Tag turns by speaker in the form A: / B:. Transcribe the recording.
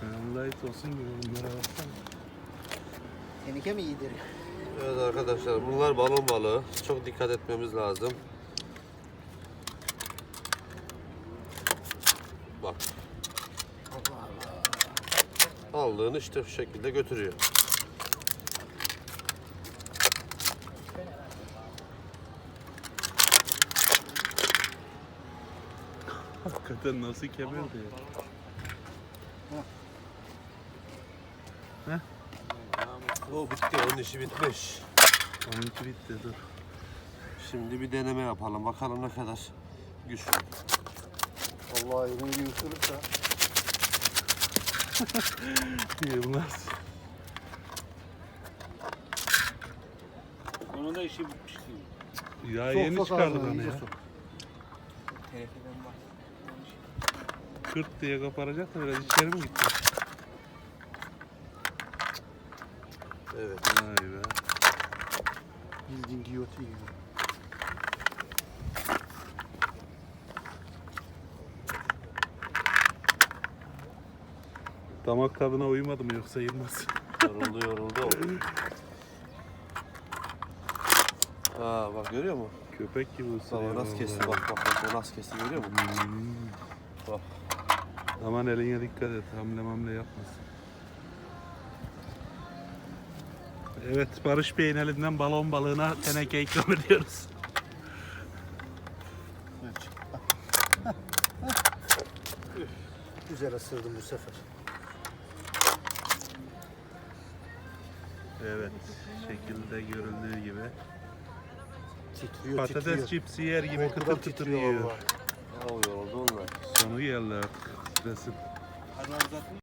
A: Light olsun gibi bunlara baksana.
B: Tenike mi yediriyor?
C: Evet arkadaşlar, bunlar balon balığı. Çok dikkat etmemiz lazım. Bak. Aldığını işte şu şekilde götürüyor.
A: Hakikaten nasıl kemirdi ya.
C: O bitti, onun işi bitmiş.
A: Onunki bitti, dur.
C: Şimdi bir deneme yapalım. Bakalım ne kadar güçlü.
B: Allah elini bir ısırırsa.
A: Yılmaz.
D: Onun da işi bitmiş gibi.
A: Ya yeni çıkardı bana ya.
D: Tenekeden bak.
A: Kırt diye koparacak da biraz içeri mi gitti?
C: Evet.
A: Vay be.
B: Bildiğin giyotin gibi.
A: Damak tadına uymadı mı yoksa Yılmaz?
C: Yoruldu. Aa bak, görüyor musun?
A: Köpek gibi ısırıyor.
C: Baba nasıl kesti,
A: vallahi.
C: bak o nasıl kesti, görüyor musun? Bak.
A: Aman eline dikkat et, hamle yapmasın. Evet, Barış Bey'in elinden balon balığına teneke ikram ediyoruz.
B: Güzel ısırdım bu sefer.
A: Evet, şekilde görüldüğü gibi.
B: Titriyor,
A: Patates
B: titriyor.
A: cipsi yer gibi
B: Korkudan
A: kıtır kıtır
B: titriyor
A: yiyor.
B: vallahi.
C: Ya yoruldu onlar.
A: Sonu geldi artık, stresin.
D: Hadi uzatın.